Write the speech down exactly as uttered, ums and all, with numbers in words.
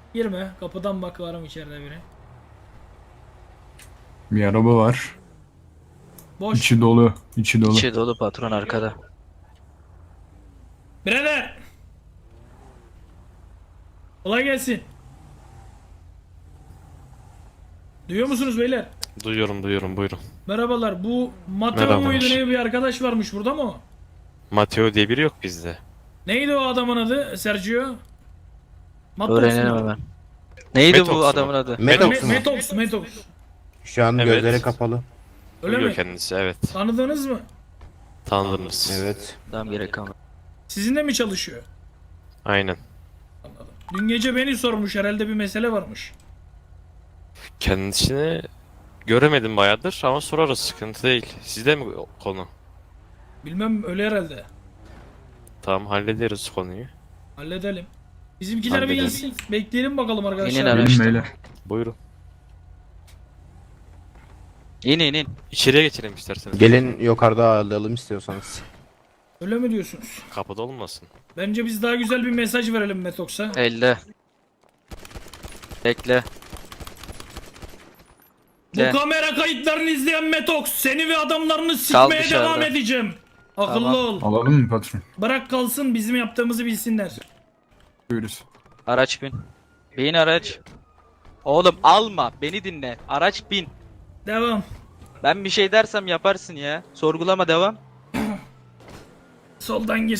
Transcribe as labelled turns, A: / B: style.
A: Girme. Kapıdan bak, var mı içeride biri?
B: Bir araba var.
A: Boş.
B: İçi dolu. İçi dolu.
C: İçi dolu patron arkada.
A: Birader. Kolay gelsin. Duyuyor musunuz beyler?
D: Duyuyorum duyuyorum buyurun.
A: Merhabalar. Bu Mateo
D: Merhabalar.
A: muydu, ne bir arkadaş varmış burada mı o?
D: Mateo diye biri yok bizde.
A: Neydi o adamın adı Sergio? Matos
C: Öğrenelim
A: mu?
C: hemen. Neydi
D: Metox
C: bu
D: mu?
C: adamın adı?
E: Metox
A: Me-
E: mu?
A: Metox, Metox.
E: Şu an
D: Evet.
E: gözleri kapalı.
A: Öyle
D: Duyuyor
A: mi?
D: kendisi evet.
A: Tanıdınız mı?
D: Tanıdınız.
E: Evet.
C: Tamam gerek kalmadı.
A: Sizinle mi çalışıyor?
D: Aynen.
A: Anladım. Dün gece beni sormuş, herhalde bir mesele varmış.
D: Kendisini göremedim bayağıdır ama sorarız, sıkıntı değil. Sizde mi konu?
A: Bilmem, öyle herhalde.
D: Tamam hallederiz konuyu.
A: Halledelim. Bizimkiler bir
D: Halledelim.
A: gelsin. Bekleyelim bakalım arkadaşlar.
C: İnin
B: Gelin
C: araçtan.
B: beyler.
D: Buyurun.
C: İn in in.
D: İçeriye geçelim isterseniz.
E: Gelin yukarıda ağırlayalım istiyorsanız.
A: Öyle mi diyorsunuz?
D: Kapıda olmasın.
A: Bence biz daha güzel bir mesaj verelim Metox'a.
C: Elle. Bekle.
A: Bu
C: De.
A: kamera kayıtlarını izleyen Metox, seni ve adamlarını sikmeye
C: dışarıda.
A: devam edeceğim. Akıllı
C: Tamam.
A: ol.
B: Alalım mı patron?
A: Bırak kalsın, bizim yaptığımızı bilsinler.
B: Buyuruz.
C: Araç bin. Bin araç. Oğlum alma. Beni dinle. Araç bin.
A: Devam.
C: Ben bir şey dersem yaparsın ya. Sorgulama devam.
A: Soldan gir.